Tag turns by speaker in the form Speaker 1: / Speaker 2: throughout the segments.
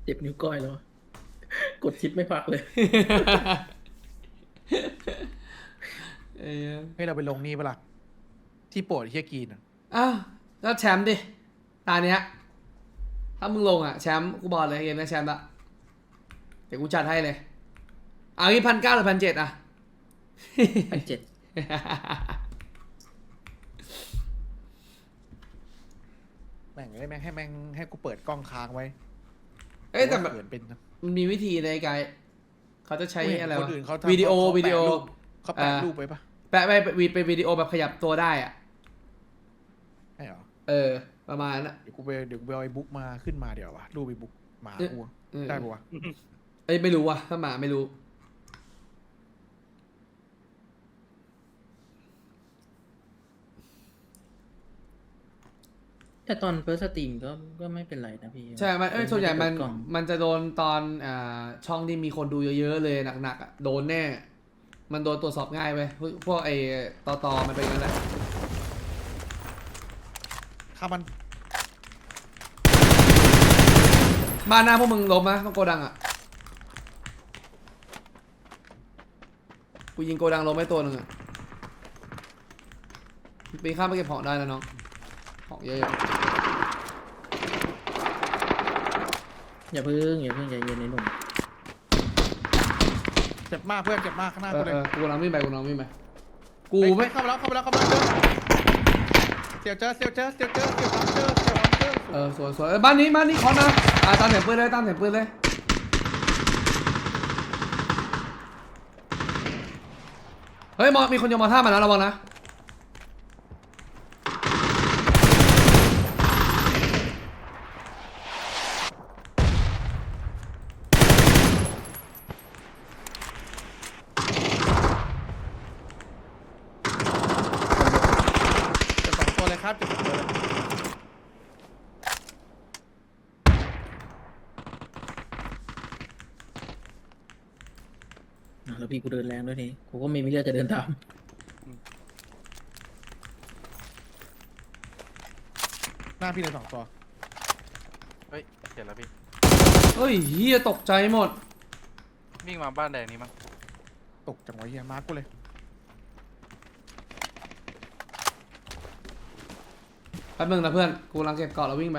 Speaker 1: เจ็บนิ้วก้อยแล้ว กดชิปไม่พักเลย
Speaker 2: เอ้ย
Speaker 3: ให้เราไปลงนี่ปะล่ะที่โปรดเฮียกีนอะ
Speaker 2: อ้าวแล้วแชมป์ดิตาเนี้ยถ้ามึงลงอ่ะแชมป์กูบอกเลยเกมนี้แชมป์ละเดี๋ยวกูจัดให้เลยเอางี้1,900 หรือ 1,700อ่ะ
Speaker 1: 1,700
Speaker 3: แม่งให้แม่งให้กูเปิดกล้องค้างไว้
Speaker 2: เอ้ยแต่แบบ
Speaker 3: เขินเป็นนะ
Speaker 2: มันมีวิธีในการเขาจะใช้อะไร
Speaker 3: ค
Speaker 2: วะ
Speaker 3: นอื่นเขาทำ
Speaker 2: วิดีโอ
Speaker 3: เขา
Speaker 2: วิดีโอ
Speaker 3: เขาแปะรูปไปปะ
Speaker 2: แปะไปวิดีโอแบบขยับตัวได้อ่ะ
Speaker 3: ใช่เหรอ
Speaker 2: ประมาณนั้นอะ
Speaker 3: เดี๋ยวกูไปเอาไอ้บุ๊กมาขึ้นมาเดี๋ยววะรูปไอ้บุ๊กหมากูอะ
Speaker 2: เออ
Speaker 3: ได้ปะวะ
Speaker 2: เอ้ยไม่รู้ว่ะถ้าหมาไม่รู้
Speaker 1: แต่ตอนเฟิร์สสตรีมก็ไม่เป็นไรนะพี่
Speaker 2: ใช่มันส่วนใหญ่มัน
Speaker 1: ไได้กดกล่อง
Speaker 2: มันจะโดนตอนช่องที่มีคนดูเยอะๆเลยหนักๆอ่ะโดนแน่ มันโดนตรวจสอบง่ายไปพวกไอ้ตอมันเป็นอย่างนั้นแหละ
Speaker 3: ข้ามัน
Speaker 2: บ้านหน้าพวกมึงล้มนะต้องโกดังอ่ะกูยิงโกดังล้มไปตัวหนึ่งอ่ะปีนข้ามไปเก็บของได้นะน้องของเยอะ
Speaker 1: อย่าเพิ่งใจเย็นในหนุ่ม
Speaker 3: เจ็บมากเพื่อนเจ็บมากข้างหน้า
Speaker 2: ๆ
Speaker 3: กูเลย
Speaker 2: กูกำลังวิ่งไปกู
Speaker 3: เฮ้ย
Speaker 2: ไม่
Speaker 3: เข้ามาแล้วเสียวเจอ
Speaker 2: สวยบ้านนี้ขอนะตามเสียงปืนเลยเฮ้ยมีคนโยนมอท่ามานะระวังนะ
Speaker 3: เจ็บสองตัวเลยครับเจ็บสองตัวเลย
Speaker 1: แล้วพี่กูเดินแรงด้วยนี่กูก็ไม่มีเลือดจะเดินตาม
Speaker 3: หน้าพี่เลยสองตัว
Speaker 4: เฮ้ยเห็นแล้วพี่
Speaker 2: เฮ้ยเฮียตกใจหมด
Speaker 4: วิ่งมาบ้านแดงนี้มั้ง
Speaker 3: ตกจังหวะเฮียมาร์กกูเลย
Speaker 2: แป๊บนึงนะเพื่อนกูกำลังเก็บเกาะแล้ววิ่งไป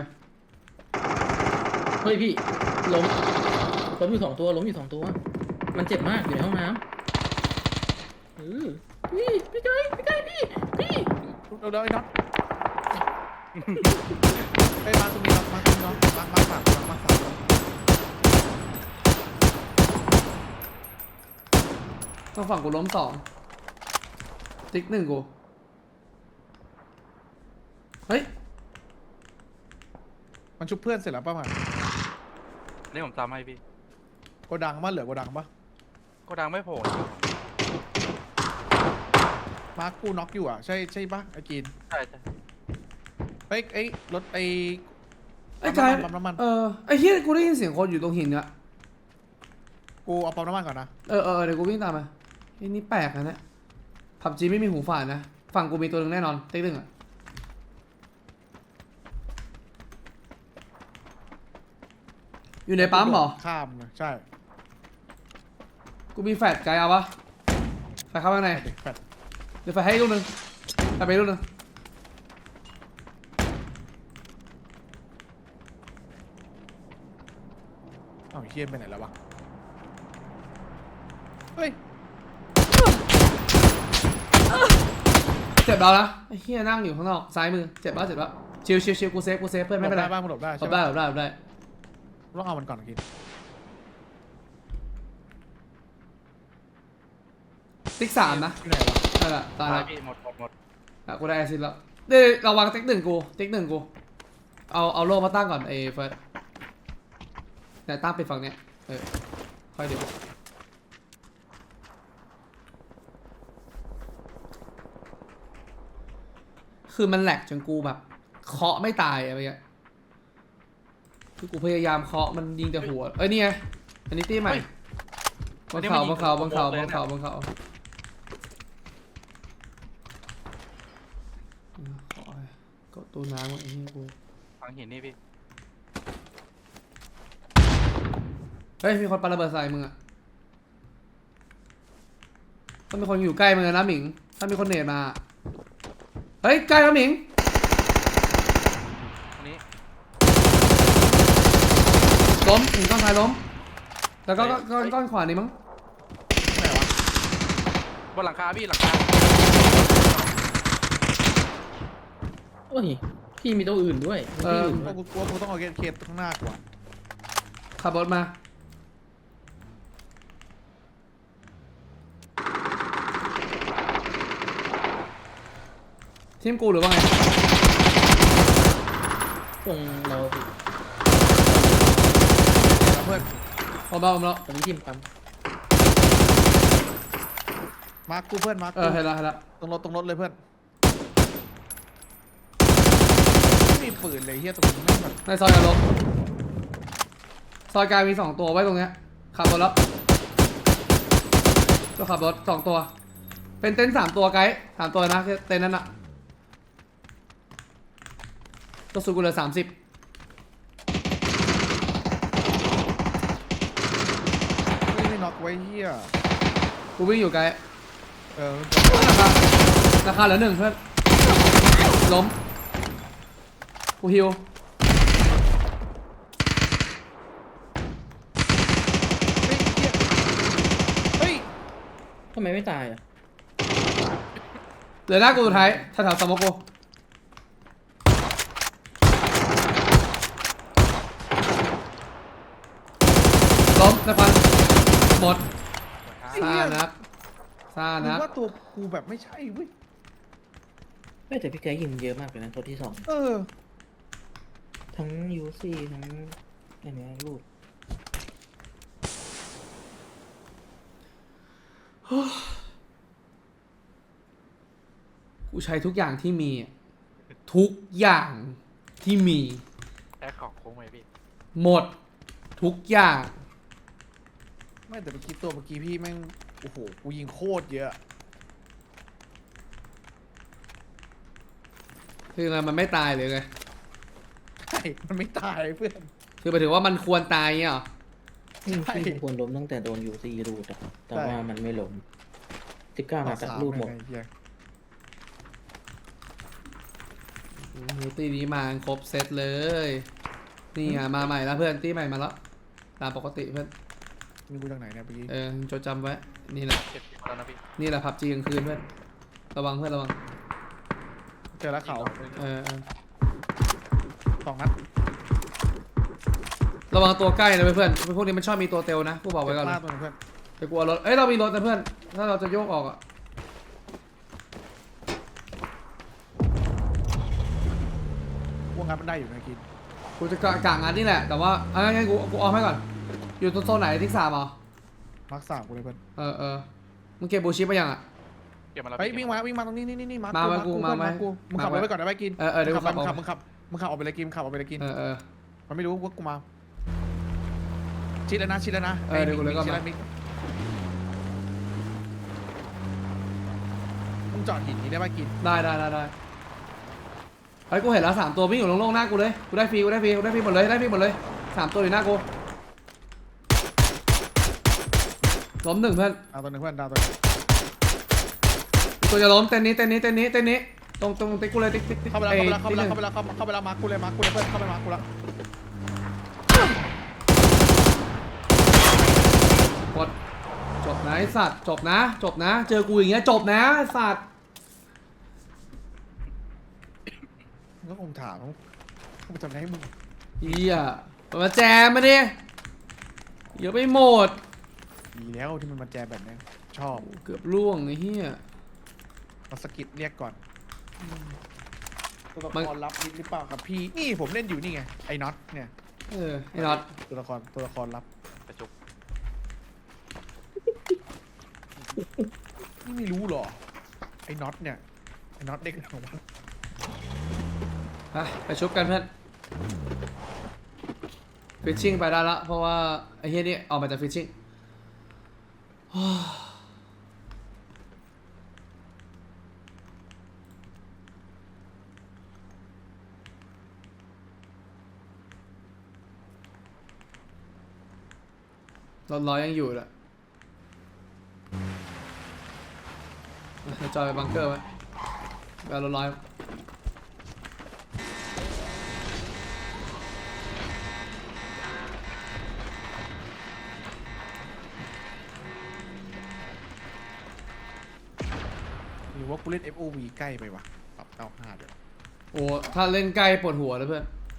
Speaker 1: เฮ้ยพี่ล้มอยู่สองตัวมันเจ็บมากอยู่ในห้องน้ำพี่ไก่พี่
Speaker 3: เราไอ้น็อตไปมาตรงนี้น็อตมาสาม
Speaker 2: ต้องฝั่งกูล้ม2ติ๊ก1กูเฮ้ย
Speaker 3: มันชุบเพื่อนเสร็จแล้วป่ะมัน
Speaker 4: นี่ผมตามให้พี่
Speaker 3: โกดังมาเหลือโกดังปะ
Speaker 4: ก็ดังไม่โผล่
Speaker 3: มาร์กกูน็อกอยู่อ่ะใช่ปะไอ้กีน
Speaker 4: ใช่
Speaker 3: เฮ้ยไอ้รถไอ้
Speaker 2: ไอ้กาย
Speaker 3: ปั๊มน้ำมัน
Speaker 2: ไอ้เฮียกูได้ยินเสียงคนอยู่ตรงหินเนี่ย
Speaker 3: กูเอาปั๊มน้ำมันก่อนนะ
Speaker 2: เดี๋ยวกูวิ่งตามมาไอ้นี่แปลกนะเนี่ยผับจีไม่มีหูฝาดนะฝั่งกูมีตัวหนึ่งแน่นอนติ๊ก1อ่ะอยู่ในปั๊มเหรอ
Speaker 3: ข้ามเลยใช่
Speaker 2: กูมีแฟลชไกลเอาปะแฟลชเข้าข้างใน
Speaker 3: เด็กแฟด
Speaker 2: เดี๋ยวแฟลชให้ลูกหนึงแฟลชไปลูกหนึง
Speaker 3: เอ้าเฮียไปไหนแล้ววะเฮ้ย
Speaker 2: เจ็บแล้วนะไอ้เฮียนั่งอยู่ข้างนอกซ้ายมือเจ็บแล้วชิวกูเซฟเพื่อนไม่เป็นไร
Speaker 3: หลบได้บ้างมึงหลบได้
Speaker 2: หล
Speaker 3: ใช่
Speaker 2: บ
Speaker 3: ไหม
Speaker 2: ได้
Speaker 3: ต้องเอามันก่อนกิน
Speaker 2: ติ๊ก3นะ
Speaker 3: ที่ไหนวะ
Speaker 2: นั่นแหละตาย
Speaker 4: ตา
Speaker 2: แล้
Speaker 4: ยว พี่หมด
Speaker 2: กูได้แอซิดแล้วเดี๋ยวระวังติ๊ก1กูเอาโล่มาตั้งก่อนไอ้เฟิร์สเนี่ยตั้งไปฝั่งเนี้ยค่อยดูคือมันแหลกจนกูแบบเคาะไม่ตายอะไรเงี้ยคือกูพยายามเคาะมันยิงแต่หัวนี่ไงอันนี้ตีใหม่บนเขาก็ตัวน้ำไอ้นี่กู
Speaker 4: ฝังหินนี่พี่
Speaker 2: ฮ้ยมีคนปาระเบิดใส่มึงอะต้องมีคนอยู่ใกล้มึงนะหมิงถ้ามีคนเนตมาเฮ้ยใกล้แล้วหมิง
Speaker 4: อันนี้
Speaker 2: ล้มหมิงก้อนท้ายล้มแล้วก็ก้อนขวานี่มั้ง
Speaker 3: ไหนวะ
Speaker 4: บนหลังคาพี่หลังคา
Speaker 1: โอ้ยพี่มีตัวอื่นด้วยมีที่อื่นด้วย
Speaker 3: กูกลัวกูต้องเอาเคสข้างหน้ากว่า
Speaker 2: ขับรถมาทีมกูหรือว่าไง
Speaker 1: ตรงเราพี่
Speaker 3: แล้วเพื่อน
Speaker 2: ผมเรา
Speaker 1: ตรงนี้ทีมปั๊ม
Speaker 3: มาร์คกูเพื่อนมาร์ค
Speaker 2: เออเห็นแล้ว
Speaker 3: ตรงรถเลยเพื่อนไม่มีปืนเลยเฮียตรงนี้แม่งแบบ
Speaker 2: ในซอยกันลบซอยกลางมี2ตัวไว้ตรงเนี้ยขับรถแล้วก็ขับรถ2ตัวเป็นเต็นท์3ตัวไกด์3ตัวนะเต็นท์นั้นอะตัวสุดกูเหลือ30
Speaker 3: ไม่น็อกไว้เฮีย
Speaker 2: กูวิ่งอยู่ไกด์
Speaker 3: เออ
Speaker 2: ราคาเหลือ1เพื่อนล้มกูฮิว
Speaker 3: เฮ้ย
Speaker 1: ทำไมไม่ตายอ่ะ
Speaker 2: เหลือหน้ากูสุดท้ายแถวๆสมองกูล้มนะพันหมด ซ่านักซ่า
Speaker 3: นึ
Speaker 2: นั
Speaker 3: ก
Speaker 2: ก
Speaker 3: ว่าตัวกูแบบไม่ใช่เว้ย
Speaker 1: ไม่แต่พี่แกยิงเยอะมากเลยนะตัวที่2
Speaker 3: เออ
Speaker 1: ทั้งยูซี่ทั้งอันเนี้ยลูก
Speaker 2: กูใช้ทุกอย่างที่มี ทุกอย่างที่มี
Speaker 4: แอคของโค้งไหมพี่
Speaker 2: หมด ทุกอย่าง
Speaker 3: ไม่แต่เมื่อกี้ตัวเมื่อกี้พี่แม่งโอ้โหกูยิงโคตรเยอะ
Speaker 2: คือไงมันไม่ตายหรือไง
Speaker 3: ใช่มันไม่ตายเพื่อน
Speaker 2: คือหมายถึงว่ามันควรตายเงี้ยเหรอ
Speaker 1: พี่
Speaker 3: ใช่
Speaker 1: ควรล้มตั้งแต่โดนยูซี่รูดอะแต่
Speaker 3: ใช่
Speaker 1: ว่ามันไม่ล้ม19นัดอะรูดหมด
Speaker 3: ไอ้เหี้ย
Speaker 2: ตีนี้มาครบเซตเลย นี่อ่ะมาใหม่แล้วเพื่อนตีใหม่มาแล้ว ตามปกติเพื่อน
Speaker 3: นี่กูจากไหนเนี่ยเมื่อกี้
Speaker 2: จดจำไว้ นี่แหละ
Speaker 4: เก็บทีมาแล้วนะพี่
Speaker 2: นี่แหละพับจีกลางคืนเพื่อน ระวังเพื่อนระวัง
Speaker 3: เจอแล้วเขา
Speaker 2: เออ
Speaker 3: 2 นัด
Speaker 2: ระวังตัวใกล้นะเพื่อนพวกนี้มันชอบมีตัวเตลนะกูบอกไว้ก่อน
Speaker 3: พ
Speaker 2: เล
Speaker 3: ลาย ดตัวหนึงเพื่อน
Speaker 2: ไปกลัวรถ เอ้ยเรามีรถนะเพื่อน ถ้าเราจะโยกออกอ่ะ
Speaker 3: วงงานมันได้อยู่นะกิน
Speaker 2: กูจะกะงานนี่แหละ แต่ว่าเอางั้นกูออมให้ก่อน อยู่โซนไหนที่3เหรอ
Speaker 3: มาร์ค3กูเลยเพื่อน
Speaker 2: เออมึงเก็บบูชิปไปยังอ่ะ
Speaker 4: เก็บมาแล้ว
Speaker 3: เฮ้ย
Speaker 4: พี่
Speaker 3: วิ่งมาตรงนี้นี่มา
Speaker 2: มา
Speaker 3: ร์ค
Speaker 2: กู
Speaker 3: เพื่อน
Speaker 2: มา
Speaker 3: มาร์คกูมึงขับรถไปก่อนได้ไหมกิน
Speaker 2: เดี๋ยว
Speaker 3: มึงขับ
Speaker 2: กูขับ
Speaker 3: มึงขับออกไปเลยกินขับออกไปเลยกิน
Speaker 2: เออ
Speaker 3: มันไม่รู้ว่ากูมาชิดแล้วนะ
Speaker 2: เดี๋ยวกูเลยก่อน
Speaker 3: ชิด
Speaker 2: มา
Speaker 3: แล้วมิกมึงจอดหินนี้ได้ป่ะกิน
Speaker 2: ได้เฮ้ยกูเห็นแล้ว3ตัววิ่งอยู่โล่งๆหน้ากูเลย กูได้ฟรีหมดเลย3ตัวอยู่หน้ากูล้ม1เพื่อน
Speaker 3: เอาตัวหนึงเพื่อนดาวตัวหนึ่ง
Speaker 2: ตัวจะล้มเต้นนี้ตรงติ๊กกูเลยติ๊ก
Speaker 3: เข้าไปแล้วเข้าไปแล้วมาร์คกูเลยเพื่อนเข้าไปมาร์คกูแล้ว
Speaker 2: กดจบนะไอสัตว์จบนะ เจอกูอย่างเงี้ยจบนะไอสัตว์
Speaker 3: มึงก็คงถามกูไปทำอะไรให้มึง
Speaker 2: เฮียมาแจมมาดิเยอะไปหมด
Speaker 3: ดีแล้วที่มันมาแจมแบบนี้ชอบ
Speaker 2: เกือบล่วงไอ้เฮีย
Speaker 3: มาสกิดเรียกก่อนตัวละ
Speaker 2: มัน
Speaker 3: ครลับนิดหรือเปล่าครับพี่นี่ผมเล่นอยู่นี่ไงไอ้น็อตเนี่ย
Speaker 2: ไอ้น็อต
Speaker 3: ตัวละครลับ
Speaker 4: กระจุก
Speaker 3: นี่ไม่รู้หรอไอ้น็อตเนี่ยไอ้น็อตเด็กของมัน
Speaker 2: ไปชุบกันเพื่อนฟิชชิ่งไปได้ละเพราะว่าไอ้เฮียนี่ออกมาจากฟิชชิ่งรถร้อยยังอยู่เลยจอยไปบังเกอร์ไว้ไปเอารถร้อย
Speaker 3: หรือว่ากูเล่น FOV ใกล้ไปวะปรับ95เดี๋ยว
Speaker 2: โอ้ถ้าเล่นใกล้ปวดหัวเลยเพื่อน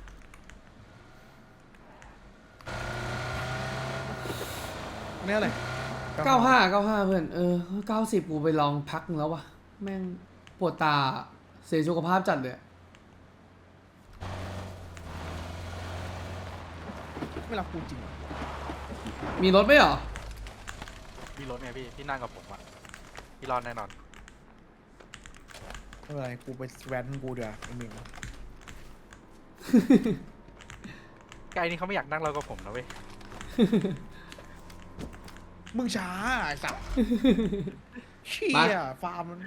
Speaker 3: เนี่ยอะไร
Speaker 2: 95เพื่อน90กูไปลองพักนึงแล้ววะแม่งปวดตาเสียสุขภาพจัดเลย
Speaker 3: ไม่รับกูจริง
Speaker 2: มีรถไหมเหรอ
Speaker 4: มีรถไงพี่นั่งกับผมอะพี่รอดแน่นอน
Speaker 3: ไม่เป็นไรกูไปแวนกูเดี๋ยวไอ้หนึ่ง
Speaker 4: ไกลนี่เขาไม่อยากนั่งเรากับผมนะเว้ย
Speaker 3: มึงช้าไอ้สัสเชี่ยฟาร์มมัน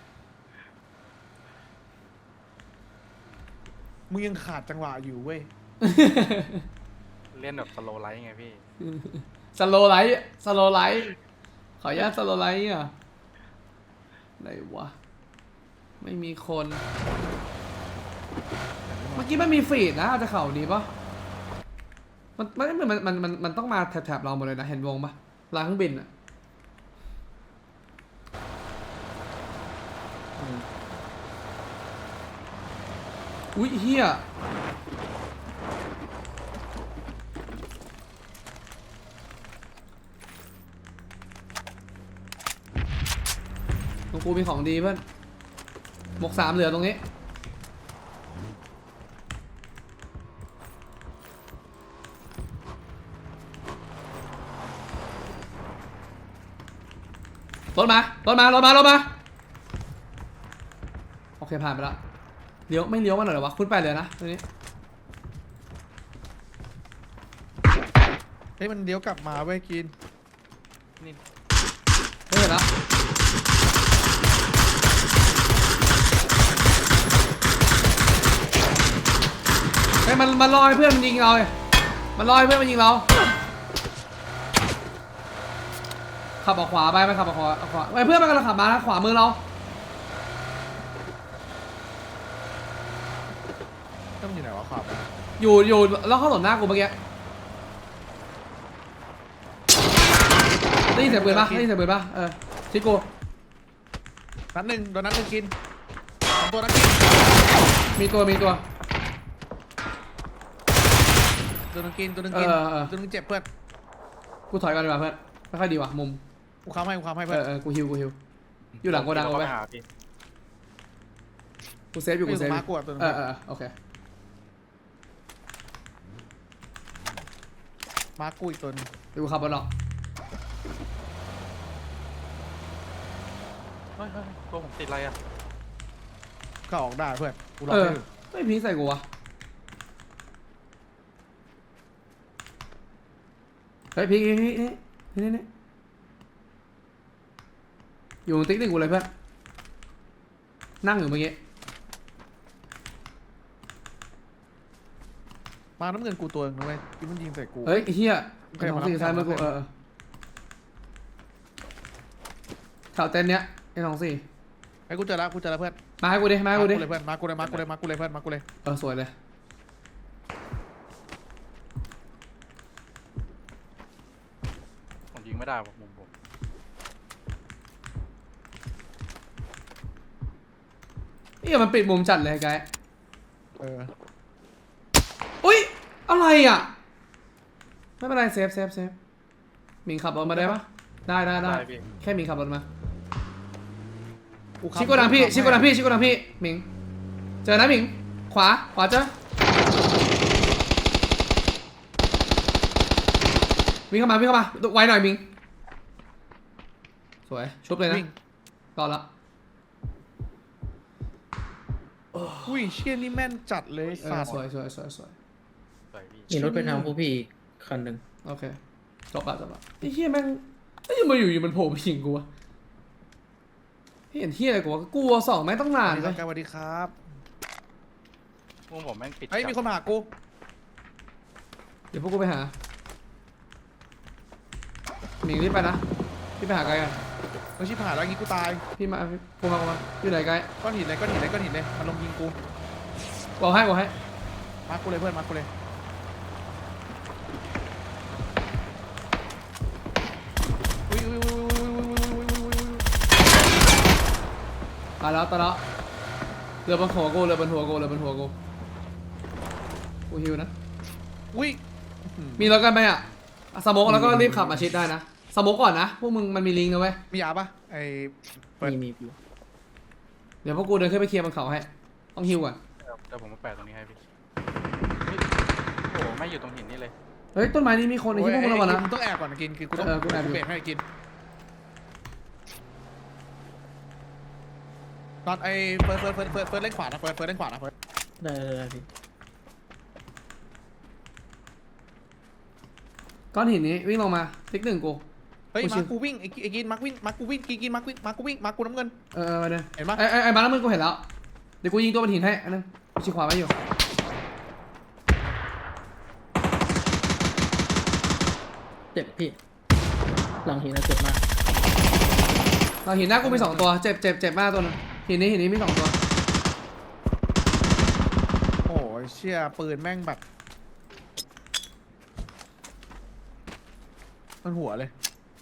Speaker 3: มึงยังขาดจังหวะอยู่เว้ย
Speaker 4: เล่นแบบสโลไลท์ไงพี่
Speaker 2: สโลไลท์ขออนุญาตสโลไลท์อ่ะไหนวะไม่มีคนเมื่อกี้มันมีฟีดนะอาจจะเข่าดีปะมันต้องมาแถบเราหมดเลยนะเห็นวงปะลานเครื่องบินอ่ะอุ้ยเฮียตรงกูมีของดีเพื่อนหมวก3เหลือตรงนี้รถมาโอเคผ่านไปแล้วเลี้ยวไม่เลี้ยวมาหน่อยเหรอวะคุณไปเลยนะตรงนี้
Speaker 3: เฮ้ยมันเดี๋ยวกลับมาเว้ยกิน
Speaker 2: ไม่เห็นแล้วเฮ้ยมันลอยเพื่อนมันยิงเรามันลอยเพื่อนมันยิงเราขับออกขวาไปมันขับออกขวาไอ้เพื่อนมันกำลังขับมานะขวามือเรา
Speaker 3: ต้องอยู่ไหนวะครับ
Speaker 2: อยู่แล้วเข้าหล่นหน้ากูเมื่อกี้ได้ยินเสียงปืนปะชิโก้
Speaker 3: นัดหนึ่งโดนนัดหนึ่งกิน2 ตัวนัดกิน
Speaker 2: มีตัว
Speaker 3: โดนนัดกินตัวหนึงกินตัวหนึงเจ็บเพื่อน
Speaker 2: กูถอยก่อนดีกว่าเพื่อนไม่ค่อยดีว่ะมุม
Speaker 3: กูค้ำให้เพื่อน
Speaker 2: กูฮิวอยู่หลังโกดังเอาไว้
Speaker 4: ไปหาพี่
Speaker 2: กูเซฟอยู่กูเซฟ
Speaker 3: มากูอ่ะตัวหนึง
Speaker 2: โอเค
Speaker 3: มากูอีกตัวหนึง
Speaker 2: เดี๋ยวกูขับรถหรอก
Speaker 4: เฮ้ยตัวผมติดอะไรอะ
Speaker 3: ก็ออกได้เพื่อนกูรอให้อยู่
Speaker 2: ไม่พีใส่กูวะเฮ้ยพีนี่อยู่ติ๊กหนึ่งกูเลยเพื่อนนั่งอยู่เมื่อกี้
Speaker 3: มาน้ำเงินกูตัวหนึงนะเว้ยที่มันยิงใส่กู
Speaker 2: เฮ้ยไอ้เฮีย
Speaker 3: โอเค
Speaker 2: ของสี่
Speaker 3: มารับ
Speaker 2: ท้ายมือกู
Speaker 3: มารับ
Speaker 2: แถวเต็นท์เนี้ยไอ้24
Speaker 3: ไอ้กูเจอแล้วเพื่อน
Speaker 2: มาให้กูดิ
Speaker 3: เลยเพื่อนมากูเลยเพื่อนมากูเลย
Speaker 2: สวยเลย
Speaker 4: ผมยิงไม่ได้ผมมุมผม
Speaker 2: นี่มันปิดมุมจัดเลยไกด์
Speaker 3: อุ้ย
Speaker 2: อะไรอ่ะไม่เป็นไรเซฟหมิงขับรถมาได้ปะได้
Speaker 4: พี่
Speaker 2: แค่หมิงขับรถมา
Speaker 3: กูค้ำ
Speaker 2: ชิโกดังพี่หมิงเจอนะหมิงขวาเจอวิ่งเข้ามาไวหน่อยหมิงสวยชุบเลยนะ
Speaker 3: วิ่ง
Speaker 2: ต่อละ
Speaker 3: อุ้ยเชี่ยนี่แม่นจัดเลยสัตว์
Speaker 2: สวย
Speaker 4: สวยพี่
Speaker 1: มีรถไปทางพวกพี่อีกคันหนึ่ง
Speaker 2: โอเคจบละไอ้เหี้ยแม่งไอ้ยังมาอยู่มันโผล่ไปยิงกูวะเห็นเหี้ยอะไรกูวะกลัว2แม่งต้องนานเลย
Speaker 3: สวัสดีครับ
Speaker 4: มุมผมแม่งปิด
Speaker 3: เฮ้ยมีคนมาหากู
Speaker 2: เดี๋ยวพวกกูไปหาหมิงรีบไปนะพี่ไปหาไกด์กัน
Speaker 3: เราชิบหายแล้วงี้กูตาย
Speaker 2: พี่มากูมาอยู่ไหนไกด์
Speaker 3: ก้อนหินเลยก้อนหินเลยก้อนหินเลยมันลงยิงกู
Speaker 2: บอกให้
Speaker 3: มาร์คกูเลยเพื่อนมาร์คกูเลยอุ้ย
Speaker 2: ตายแล้วเรือบนหัวกูกูฮิวนะ
Speaker 3: อุ้ย
Speaker 2: มีรถกันไหมอ่ะสโมกแล้วก็รีบขับมาชิดได้นะสโมกก่อนนะพวกมึงมันมีลิงก์นะเว้ย
Speaker 3: มียาปะไอ้เปิด
Speaker 1: มีอยู่
Speaker 2: เดี๋ยวพวกกูเดินขึ้นไปเคลียร์บนเขาให้ต้องฮิวก่อน
Speaker 4: เดี๋ยวผมมาแปะตรงนี้ให้พี่เฮ้ยโอ้โหไม่อยู่ตรงหินนี่เลย
Speaker 2: เฮ้ยต้นไม้นี้มีคนไอ้ที่พวกมึงระวังนะ
Speaker 3: มึงต้องแอบก่อนกินคือกูต้อง
Speaker 2: กูแอบอยู่
Speaker 3: เบรกให้กินตอนไอ้เฟิร์สเล่นขวานะเฟิร์สเล่นขวานะเฟิร์ส
Speaker 1: ได้พี่
Speaker 2: ก้อนหินนี้วิ่งลงมาติ๊กหนึ่งกู
Speaker 3: เฮ้ย
Speaker 2: กูชิ
Speaker 3: มาว กูวิ่งไอ้กินมาร์ควิ่งมาร์คกูวิ่งกินมาร์ควิ่งมาร์คกูวิ่งมาร์คกูน้ำเงิน
Speaker 2: มาเดิน
Speaker 3: เห็นปะ
Speaker 2: ไอ้มาแล้วมึงกูเห็นแล้วเดี๋ยวกูยิงตัวบนหินให้อันนึงกูชี้ขวาไว้อยู่
Speaker 1: เจ็บพี่หลังหินนะเจ็บมาก
Speaker 2: เราหินหน้ากูมี2ตัวเจ็บมากตัวนึงหินนี้มี2ตัว
Speaker 3: โอ้ยเชี่ยปืนแม่งแบบมันหัวเลย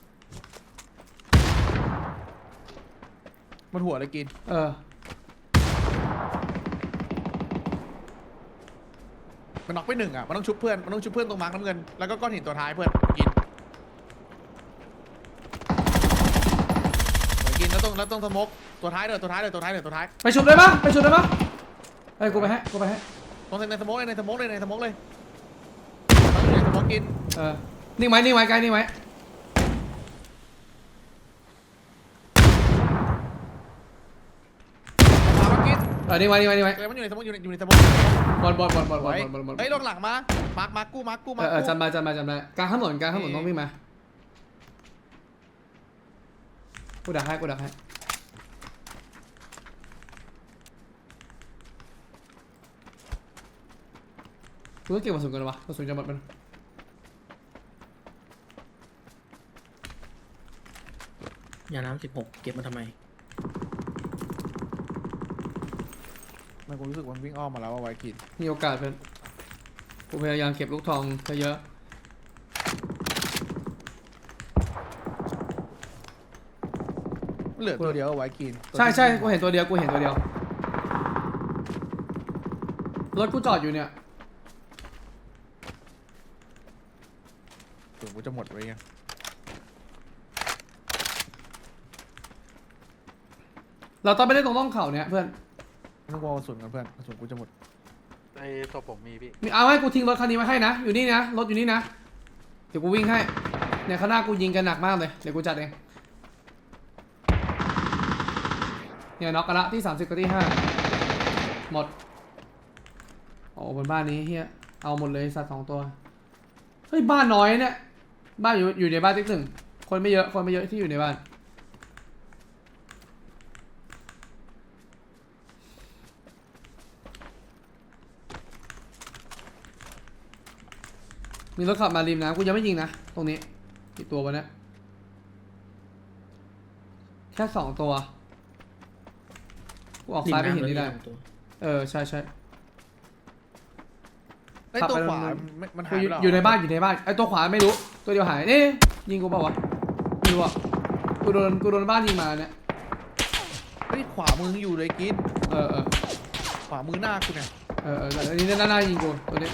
Speaker 3: มันหัวเลยกินมันน็อกไป1อ่ะมันต้องชุบเพื่อนตรงมาร์คน้ำเงินแล้วก็ก้อนหินตัวท้ายเพื่อนกินแล้วต้องสโมกตัวท้ายตัวท้าย
Speaker 2: ไปชุบได้ปะเฮ้ยกูไปให้
Speaker 3: ตรงในสโมกเลยในสโมกกิน
Speaker 2: นิ่งไว้ไกลนิ่งไว้
Speaker 3: มากิน
Speaker 2: นิ่งไว้
Speaker 3: มันอยู่ในสโมกอยู่ในสโมก
Speaker 2: บอล
Speaker 3: เฮ้ยลงหลังมามาร์คกู
Speaker 2: จำมากลางถนนต้องวิ่งมากูดักให้กูต้องเก็บกระสุนกันวะกระสุนจะหมดมัน
Speaker 1: ยาน้ำ16เก็บมาทำไม
Speaker 3: มันกูรู้สึกมันวิ่งอ้อมมาแล้วว่าไวกิน
Speaker 2: มีโอกาสเพื่อนกูพยายามเก็บลูกทองเยอะ
Speaker 3: เหลือตัวเดียวไวกิน
Speaker 2: ใช่กูเห็นตัวเดียวรถกูจอดอยู่เนี่ย
Speaker 3: ถึงกูจะหมดไว้ไง
Speaker 2: เราต้องไปเล่นตรงร่องเขาเนี่ยเพื่อน
Speaker 3: ไม่ต้องวอลกระสุนกันเพื่อนกระสุนกูจะหมด
Speaker 4: ไอ้ตัวผมมีพี่
Speaker 2: เอาให้กูทิ้งรถคันนี้ไว้ให้นะอยู่นี่นะรถอยู่นี่นะเดี๋ยวกูวิ่งให้เนี่ยข้างหน้ากูยิงกันหนักมากเลยเดี๋ยวกูจัดเองเนี่ยน็อกกันละที่30กับที่5หมดโอ้บนบ้านนี้เฮียเอาหมดเลยสัตว์2ตัวเฮ้ยบ้านน้อยเนี่ยบ้านอยู่ในบ้านติ๊กหนึ่งคนไม่เยอะที่อยู่ในบ้านมีรถขับมาริมนะกูยังไม่ยิงนะตรงนี้กี่ตัววะเนี่ยแค่2ตัวกูออกซ้ายไปเห็นนี่ได้ใช่
Speaker 3: ไอ้ตัวขวามันหายไปแล้ว
Speaker 2: อยู่ในบ้านไอ้ตัวขวาไม่รู้ตัวเดียวหายนี่ยิงกูเปล่าวะไม่รู้อ่ะกูโดนบ้านยิงมาเนี่ย
Speaker 3: เฮ้ยขวามืออยู่เลยกิน ขวามือหน้ากูเนี่ย
Speaker 2: อันนี้หน้ายิงกูตัวนี้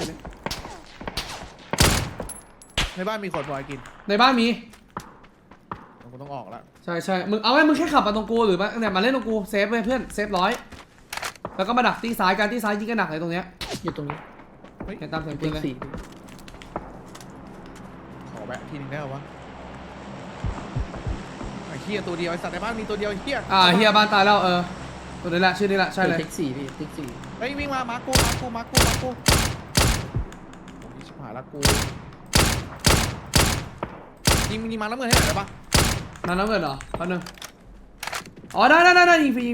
Speaker 3: ในบ้านมีคนบอยกิน
Speaker 2: ในบ้านมี
Speaker 3: กูต้องออกแล้ว
Speaker 2: ใช่มึงเอาไว้มึงแค่ขับมาตรงกูหรือเนี่ยมาเล่นตรงกูเซฟเลยเพื่อนเซฟ100แล้วก็มาดักตีซ้ายกันที่ซ้ายยิงกันหนักเลยตรงเนี้ย
Speaker 1: อยู่ตรงนี้
Speaker 2: เห็นตามเสียงปื
Speaker 1: ติ๊
Speaker 2: น
Speaker 1: ก
Speaker 2: เลย
Speaker 1: 4
Speaker 3: ขอแวะทีนึงได้หรอวะไอ้เฮียตัวเดียวไอ้สัตว์ในบ้านมีตัวเดียวไอ้เฮีย
Speaker 2: เฮียบ้านตายแล้วตัวนี้แหละชื่อนี้แหละใช่เลย
Speaker 1: ติ๊ก4พี่ติ๊ก4
Speaker 3: เฮ้ยวิ่งมากูชิบหายละกูยิงมาแล้วเงินให้หน่อยได้ปะ
Speaker 2: น้ำเงินเหรอแป๊บนึงอ๋อได้ยิงฟรี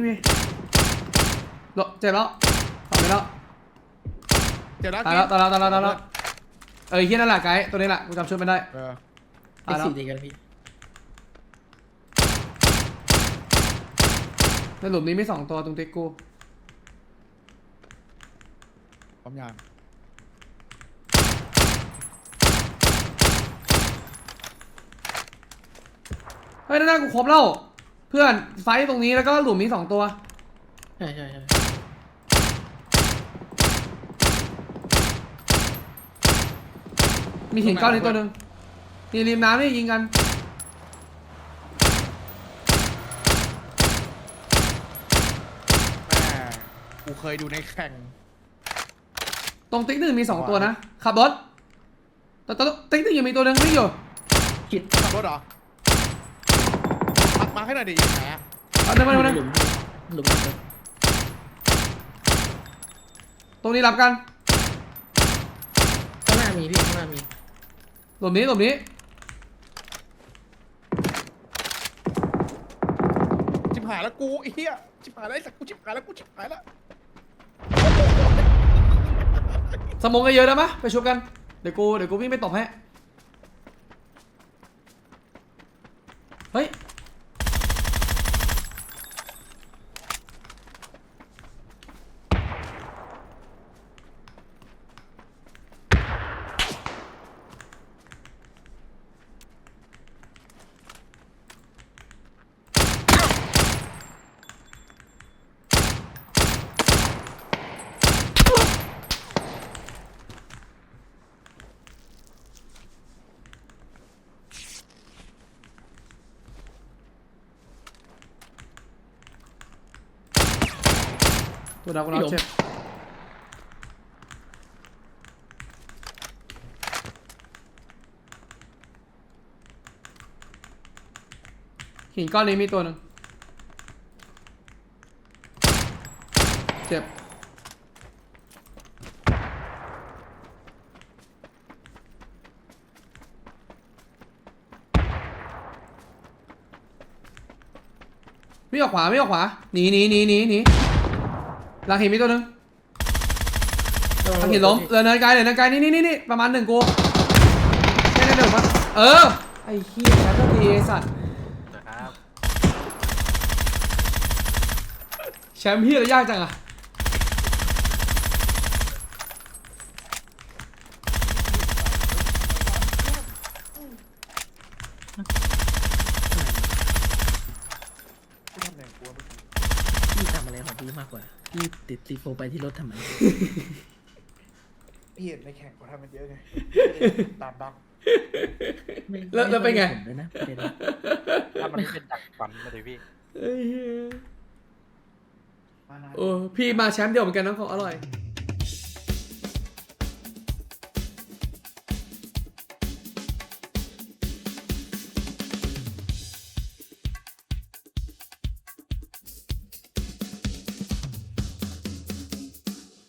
Speaker 2: เจ็บแล้วขับไปแล้ว
Speaker 3: เดี๋ยวนะ
Speaker 2: ตายแล้วเฮียนั่นแหละไกด์ตัวนี้แหละกูจำชื่อไม่ได้
Speaker 3: เออ
Speaker 2: ตายแล้ว
Speaker 1: ติ๊ก4ตีกันพี่
Speaker 2: ในหลุมนี้มี2ตัวตรงติ๊กกู
Speaker 3: ความยาง
Speaker 2: เฮ้ยด้านหน้ากูครบแล้วเพื่อนไฟต์ตรงนี้แล้วก็หลุมนี้2ตัว
Speaker 1: ใช่ใช่ใช่
Speaker 2: มีหินก้อนนี้ตัวหนึ่งนี่ริมน้ำนี่ยิงกัน
Speaker 3: แม่กูเคยดูในแข่ง
Speaker 2: ตรงติ๊กหนึ่งมี2ตัวนะขับรถแต่ติ๊กหนึ่งยังมีตัวหนึ่งวิ่งอยู่
Speaker 1: คิด
Speaker 3: ขับรถเหรอมาให้หน่อยดิอยู่ไหนอะ
Speaker 2: เอาเดินมา
Speaker 1: ห
Speaker 2: เดินมา
Speaker 1: ลุมหลุม
Speaker 2: ตรงนี้รับกัน
Speaker 1: ข้างหน้ามีพี่ข้างหน้ามี
Speaker 2: หลุมนี้หลุมนี้
Speaker 3: ชิบหายแล้วกูไอ้เหี้ยชิบหายแล้วไอ้สักกูชิบหายแล้วกูชิบหายแล้ว
Speaker 2: สมองกันเยอะนะมะไปชุบกันเดี๋ยวกูวิ่งไปตบให้เฮ้ยตัวดาวกูรับเช็คหินก้อนนี้มีตัวหนึ่งเจ็บไม่ออกขวาไม่ออกขวาหนีหลังหินมีตัวหนึ่งหลังหินล้มเนินไกลนี่ประมาณ1กูแค่นั้นเดินมาไอ้เหี้ยแชมป์ทีไอ้สัตว์
Speaker 4: เดี๋ยวครับ
Speaker 2: แชมป์พี่เรายากจังอะ
Speaker 1: พี่ทำอะไรของพี่มากกว่าพี่ติดซีโฟไปที่รถทำไม
Speaker 3: พี่เห็นในแข่งเขาทำมันเยอะไงตามบัง
Speaker 2: แล้วเป็นไง
Speaker 1: ผมด้วยนะประเด็นนะ
Speaker 4: ถ้ามันเป็นดักฟันมาเลยพี่
Speaker 2: พี่มาแชมป์เดียวเหมือนกันน้องของอร่อย